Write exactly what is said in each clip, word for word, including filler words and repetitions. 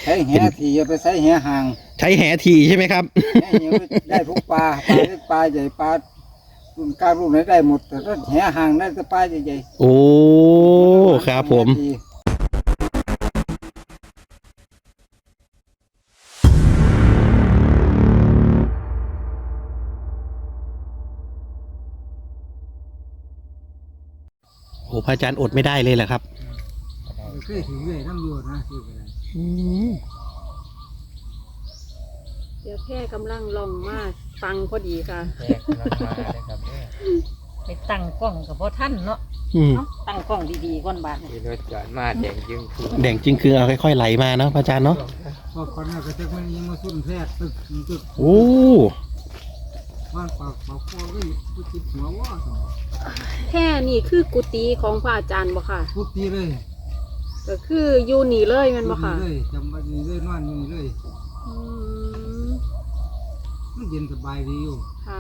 ใช้แหทีอย่าไปใช้แหห่างใช้แหทีใช่ไหมครับได้ทุกปลาปลาเล็กปลาใหญ่ปลารุ่นกลางรุ่นไหนได้หมดแต่ถ้าแหห่างได้แต่ปลาใหญ่ๆโอ้ครับผมโอ้พระอาจารย์อดไม่ได้เลยแหละครับเคยถึงเลยน้ำโยนนะคืออะไรเดี๋ยวแค่กำลังลองมาฟังพอดีค่ะแยกกำลังมาเลยครับไปตั้งกล้องกับพ่อท่านเนาะตั้งกล้องดีๆก่อนบาทนี่รถจอดมาแดงจึงคือแดงจึงคือเอาค่อยๆไหลมาเนาะพระอาจารย์เนาะพอคนน่ะก็จะมันยังมาสุ่นแพทย์ตึกตึกโอ้บ้านปากปากคอก็อยู่ติดหัวว่าแค่นี่คือกุฏิของพระอาจารย์บ่ค่ะกุฏิเลยก็คืออยู่นี่เลยมันบ่ค่ะเลยจำบัดนี้เลยนอนอยู่นี่เลยมันเย็นสบายดีอยู่ค่ะ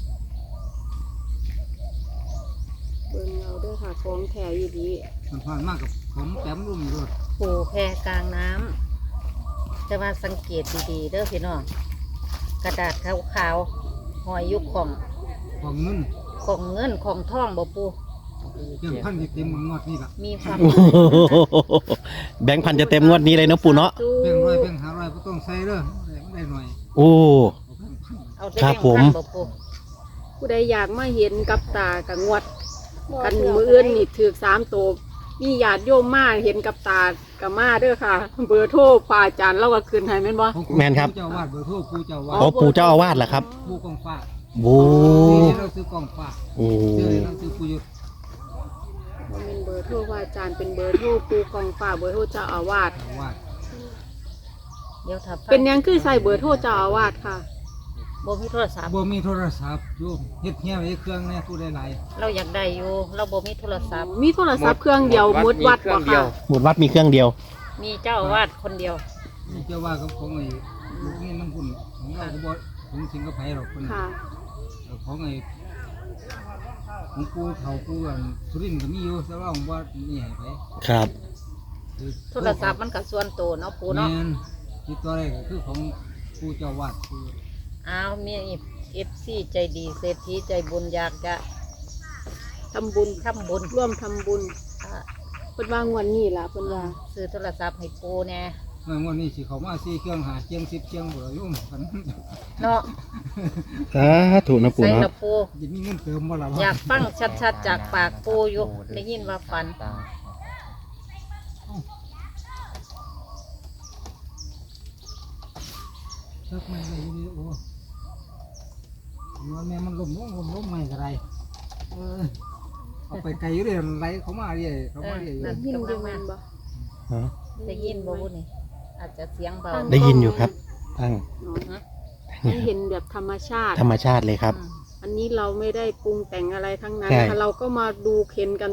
เบิ่งเอาด้วยค่ะของแท้อยู่ดีมันผ่านมากกับของแต้มรุ่มรถโอ้แพกลางน้ำจะมาสังเกตดีๆเด้อพี่น้องกระดาษขาวๆหอยยุกของของเงินของเงินของทองบ่ปูเรื่องพันจะเต็มงวดนี้ละมีความแบงค์พันจะเต็มงวดนี้เลยเนาะปูเนาะแบงค์ร้อยแบงค์ห้าร้อยก็ต้องใส่เด้อได้หน่อยโอ้ครับผมผู้ใดอยากมาเห็นกับตากับงวดกันมืออื่นนี่ถือสามตัวมีญาติโยมมาเห็นกับตากับมาเด้อค่ะเบอร์โทรพระอาจารย์เราก็ขึ้นให้แม่นบ่แม่นครับเจ้าวาดเบอร์โทรปู่เจ้าวาดอ๋อปู่เจ้าอาวาสเหรอครับปู่กองฟ้าโอ้เราซื้อกองฟ้าโอ้เราซื้อปู่ยุทธเป็นเบอร์โทรพระอาจารย์เป็นเบอร์โทรปู่กองฟ้าเบอร์โทรเจ้าอาวาสเดี๋ยวถ้าเป็นยังคือใส่เบอร์โทรเจ้าอาวาสค่ะบ่มีโทรศัพท์บ่มีโทรศัพท์โยมเฮ็ดเหี้ยไว้เครื่องเนี่ยผู้ใดหลายเราอยากได้อยู่เราบ่มีโทรศัพท์มีโทรศัพท์เครื่องเดียวหมดวัดบ่ค่ะหมดวัดมีเครื่องเดียวมีเจ้าอาวาสคนเดียวมีเจ้าว่ากับของไอ้ลูกนี่น้ำพุ่นของเราก็บ่ถึงสิงคโปร์หรอกคนค่ะของไอ้ของกูเฒ่ากูอันสุรินทร์ก็มีอยู่แต่ว่าของบ่นี่ให้ไปครับโทรศัพท์มันก็ส่วนตัวเนาะปู่เนาะที่ตัวแรกก็คือของปู่เจ้าวาดอ้าวมีเอฟซีใจดีเศรษฐีใจบุญอยากจะทำบุญทำบุญร่วมทำบุญเพิ่นว่างวันนี้ล่ะเพิ่นว่าซื้อโทรศัพท์ให้ปู่แน่งวันนี้สิเขามาสี่เครื่องหาเชียงสิบเชียงบ่ยุ่งกันเนาะอ่าถูกนะปู่เนาะจะมีเงินเติมบ่ล่ะอยากฟังชัดๆจากปากปู่อยู่ได้ยินว่าฝันสักไม่ได้อยู่โอ้ว่าแม่มันล้มล้มล้มล้มไม่กระไรเอาไปไกลอยู่เลยไรเขามาเรื่อยเขามาเรื่อยได้ยินอยู่แม่นบ่ได้ยินบ่พูดนี่อาจจะเสียงเบาได้ยินอยู่ครับตั้งเห็นแบบธรรมชาติธรรมชาติเลยครับอันนี้เราไม่ได้ปรุงแต่งอะไรทั้งนั้นเราก็มาดูเข็นกัน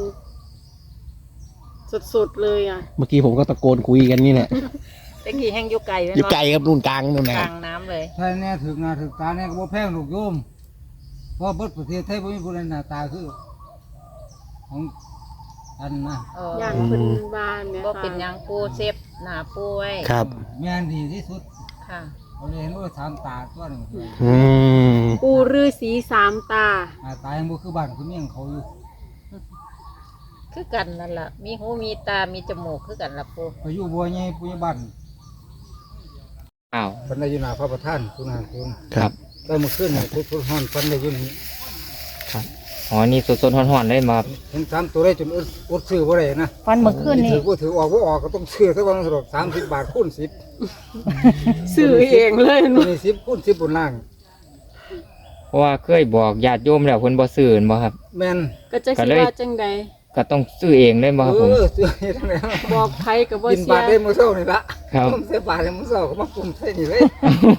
สดๆเลยอ่ะเมื่อกี้ผมก็ตะโกนคุยกันนี่แหละตะกี้แห้งยุกไก่ยุกไก่ครับนู่นกลางนู่นนะกลางน้ำเลยใช่แน่ถึงนาถึงตาแน่ก็บ่แพงลูกโยมเพราะบัดประเทศไทยบ่มีผู้ใดหน้าตาคือของอันนะอย่างคนบ้านเนี่ยก็เป็นอย่างปูเซฟหน้าปูไว้ครับแม่นดีที่สุดค่ะเราเลยเห็นว่าสามตาตัวหนึ่งปูฤาษีสามตาตายังบ่คือบ้านคือเมี่ยงเขาอยู่คือกันนั่นแหละมีหูมีตามีจมูกคือกันละปูไปอยู่บัวใหญ่ปุญญบันอ้าวปันได้อยู่หน้าพระประธานคุณหางคุณครับได้มาขึ้นทุกทุกห้อนปันได้อยู่นี่ครับอ๋อนี่สดๆห่อนๆได้มาเห็นสามตัวได้จนอุดซื้อบ่ได้นะฟันเมื่อคืนนี่ถือว่าถือออกว่าออกก็ต้องซื้อสักวันสดสามสิบบาทคูณสิบซื้อเองเลยมีสิบคูณสิบบนล่างเพราะว่าเคยบอกญาติโยมแล้วเพิ่นบ่ซื้อบ่ครับแม่นก็จะคิดว่าจังใดก็ต้องซื้อเองเลยบ่ครับผมเออซื้อเองแล้วบอกใครกับว่ากินบาทได้มื้อเช้านี่ละครับผมเสียบาทได้มื้อเช้าก็มาปรุงใส่นี่เลย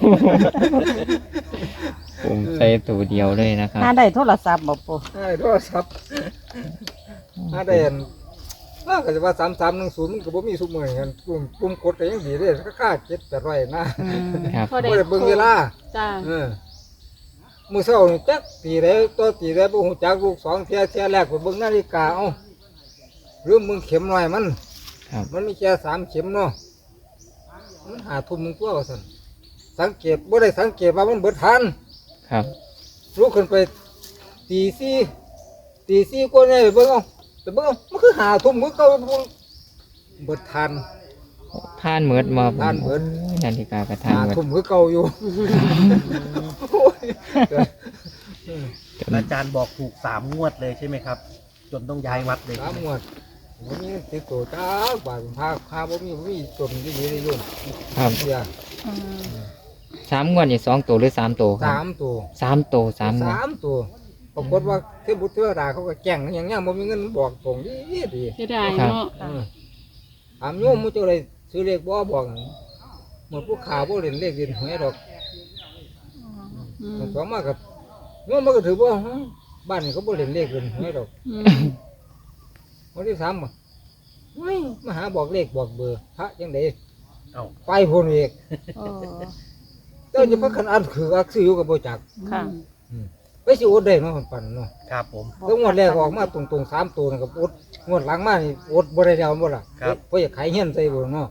ผมใส่ตัวเดียวเลยนะครับถ้าได้โทรศัพท์บ่ปู่ได้โทรศัพท์ถ้าได้อันน่าก็จะว่าสามสามหนึ่งศูนย์มันก็บ่มีซุมื้อกันปุ่มปุ่มกดก็ยังดีเด้ก็ค่าเจ็ดแปดร้อยนะครับบ่ได้เบิ่งเวลาจ้าเออมื้อเช้านี่จักตีได้ตัวตีได้บ่ฮู้จักลูกสองเที่ยเที่ยแรกก็เบิ่งนาฬิกาเอ้าลืมมึงเข็มหน่อยมันมันมีแค่สามเข็มเนาะมันหาทุ่มมึงตัวว่าซั่นสังเกตบ่ได้สังเกตว่ามันเบิดทันครับลุกขึ้นไปตีสี่ตีสี่กว่าเนี่ยไปเบิ่งเอาไปเบิ่งเอามันคือหาทุ่มคือเก่าเบิดทันทานเหมือดมาทานเหมือดโอ้ยนาฬิกากระทานหาเหมือดทุ่มคือเก่าอยู่โอ้ยอาจารย์บอกถูกสามงวดเลยใช่ไหมครับ จนต้องย้ายวัดเลยสามงวดบ่มีติดตัวจ้าบาทพาพาบ่มีบ่มีตัวมันดีๆเลยโยมครับเสียสามงวดนี่สองตัวหรือสามตัวครับสามตัวสามตัวสามงวดสามตัวปรากฏว่าเทพบุตรเทวดาเขาก็แจ้งอย่างเงี้ยบ่มีเงินบอกตรงดีดีจะได้เนาะเออถามโยมมุจอะไรซื้อเลขบ่บอกหมดผู้ขาบ่เล่นเลขเล่นหวยดอกอืมมันสองมากับโยมมันก็ถือว่าฮะบ้านนี้เขาบ่เล่นเลขเล่นหวยดอกอืมวันที่สามบ่เฮ้ยมาหาบอกเลขบอกเบอร์พระยังไดเอ้าไปพุ่นอีกโอ้เจ้าจะพักขันอันคืออักซื้ออยู่กับบ่จักค่ะอืมไปสิอดได้เนาะคนปั่นเนาะครับผมแล้วงวดแรกออกมาตรงๆสามตัวนั่นก็อดงวดหลังมานี่อดบ่ได้แล้วบ่ล่ะครับเพราะอยากขายเฮียนใส่บ่เนาะ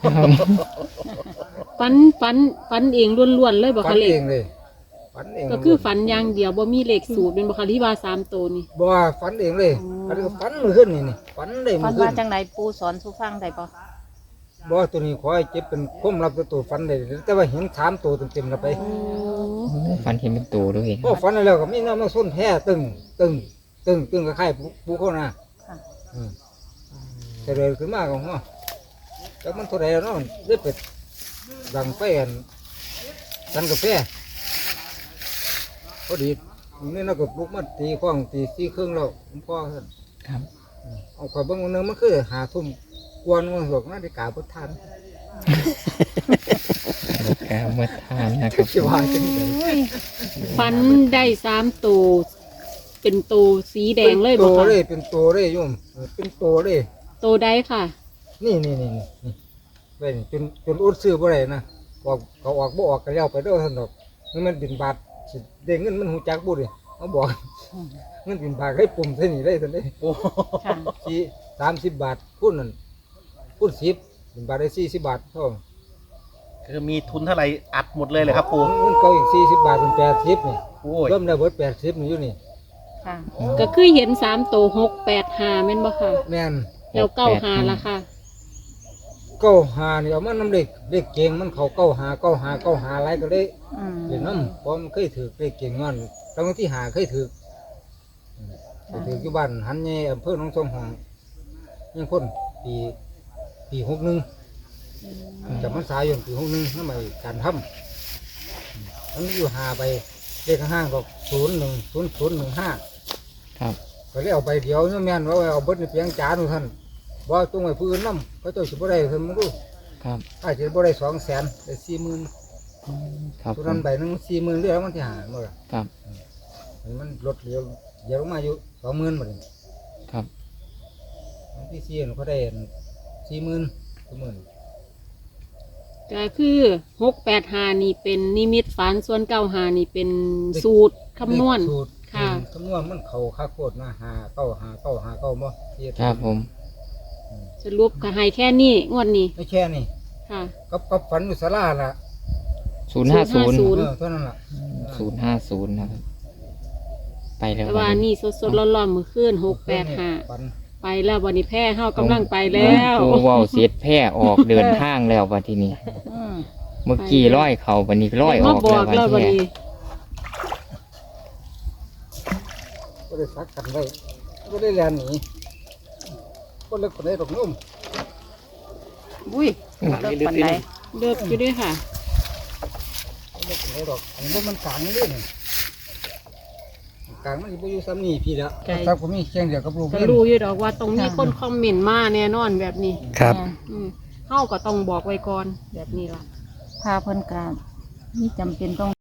ฝันฝันฝันเองล้วนๆเลยบ่ฝัคะนเลเอขงเลยฝันเองก็คือฝันอย่างเดียวบ่มีเลขสูตรเป็นบ่คะที่ว่าสามตัวนี่บ่ว่าฝันเองเลยอ๋ออัอันนี้ก็ฝันมื้อขึ้นนี่นี่ฝันได้ฟัมื้นอขึ้ว่าน จังไดปูสอนสู่ฟังได้ปะบ่ตัวนี้ขอให้เจ็บเป็นความลับตัวฝันได้แต่ว่าเห็นสามตัวเต็มๆแล้วไปโอ้ฟันเห็นเป็นตัวด้วยพอฝันได้แล้วก็มีน้ำมาส้นแพ้ตึงตึงตึงตึงคล้ายๆปูเขาน่ะค่ะอืมแต่เลยขึ้นมาก็ว่าแล้วมันเท่าไหร่แล้วเนาะได้เป็ดดังไฟอันสันกาแฟพอดีนี่เราก็ปลุกมาตีข้องตีสี่ครึ่งแล้วผมพ่อท่านครับเอาข่อยเบิ่งวันหนึงมันคือหาทุ่มกวนมันหกนาฬิกาพุทธันแกเมื่อทานนะครับสิว่าจังได๋ฝันได้สามตัวเป็นตัวสีแดงเลยเป็นบ่โตคะเลยเป็นโตเลยโยมเออเป็นโตเลยตัวใดค่ะนี่นี่นี่นี่นี่ไปนี่จนจนอุดซื้อบ่ได้นะออกเขาออกบ่ออกก็แล้วไปเด้อท่านดอกนี่มันบินบาทสิได้เงินมันหูจักบ่ดิเขาบอกเงินบินบาทให้ปุ่มใส่นี่ได้ท่านเด้โอ้ค่ะสี่สามสิบบาทคูณนั่นคูณสิบบินบาทได้สี่สิบบาทเท่าคือมีทุนเท่าไหร่อัดหมดเลยเลยครับปูเงินเก่าอีกสี่สิบบาทเป็นแปดสิบนี่โอ้ยเริ่มได้เบิดแปดสิบนี่อยู่นี่ค่ะก็คือเห็นสามตัวหกแปดห้าแม่นบ่ค่ะแม่นแล้วเก้าห้าล่ะค่ะเก้าหานี่เอามันน้ำเล็กเล็กเก่งมันเขาเก้าหาเก้าหาเก้าหาอะไรก็เลยอืมเล่นน้ำเพราะมันเคยถือเล็กเก่งงอนตอนที่หาเคยถือไปถืออยู่บ้านหันเย่อำเภอหนองสองหองยังพ้นปีปีหกหนึ่งจำมันสายอยู่ปีหกหนึ่งนั่นหมายการทำมันอยู่หาไปเลขข้างห้างก็ศูนย์หนึ่งศูนย์ศูนย์หนึ่งห้าครับก็เลยเอาไปเดียวเนี่ยแม่นว่าเอาเบิดในเพียงจานของท่านว่าตรงไหนผู้อื่นน้ำเขาเจ้าสิบ่ได้ท่านมึงดูครับอาจจะบ่ได้สองแสนได้สี่หมื่นครับตัวผนั้นมใบหนึงสี่หมื่นเรียกมันที่หาหมดละครับมันลดเหลือเดี๋ยวลงมาอยู่สองหมื่นหมดเลยครับอันที่สี่เขาได้สี่หมื่นสองหมื่นก็คือหกแปดห้านี่เป็นนิมิตฝันส่วนเก้าห้านี่เป็นสูตรคำนวณสูตรค่ะคำนวณมันเขาค่าโคตรนะหาเก้าหาเก้าหาเก้าบ่เฮ็ดครับผมสรุปก็ให้แค่นี้งวดนี้ไม่แค่นี่ค่ะกับกับฝันอยู่ศาลาล่ะศูนย์ห้าศูนย์ศูนย์เออเท่านั้นล่ะศูนย์ห้าศูนย์นะครับ ไปแล้วแต่ว่านี่สดๆร้อนๆมือขึ้นหกแปดห้าฝันไปแล้ววันนี้แพ้เฮากำลังไปแล้วปูเว่าเสียดแพร่ออกเดินทางแล้ววันที่นี้อืมเมื่อกี้ร้อยเขาวันนี้ร้อยอมาอกบแล้อวกวันแล้ววันที่นี้ก็ได้ซักกันไว้ก็ได้แลนหนีก็เลิกคนได้ดอกนุ่มบุ้ยเลิกปันไดเลือกอยู่ด้วยค่ะก็เลิกคนได้ดอกอันนี้มันกลางนี่เลยกลางมันอยู่ซ้ำนี่พี่แล้วไกลซักผมมีเชียงเดียวกับลูกก็เล่นรู้อยู่ดอกว่าตรงนี้คนคอมเมนต์มาแน่นอนแบบนี้ครับอืมเฮาก็ต้องบอกไว้ก่อนแบบนี้ล่ะพาเพิ่นกานี่จำเป็นต้อง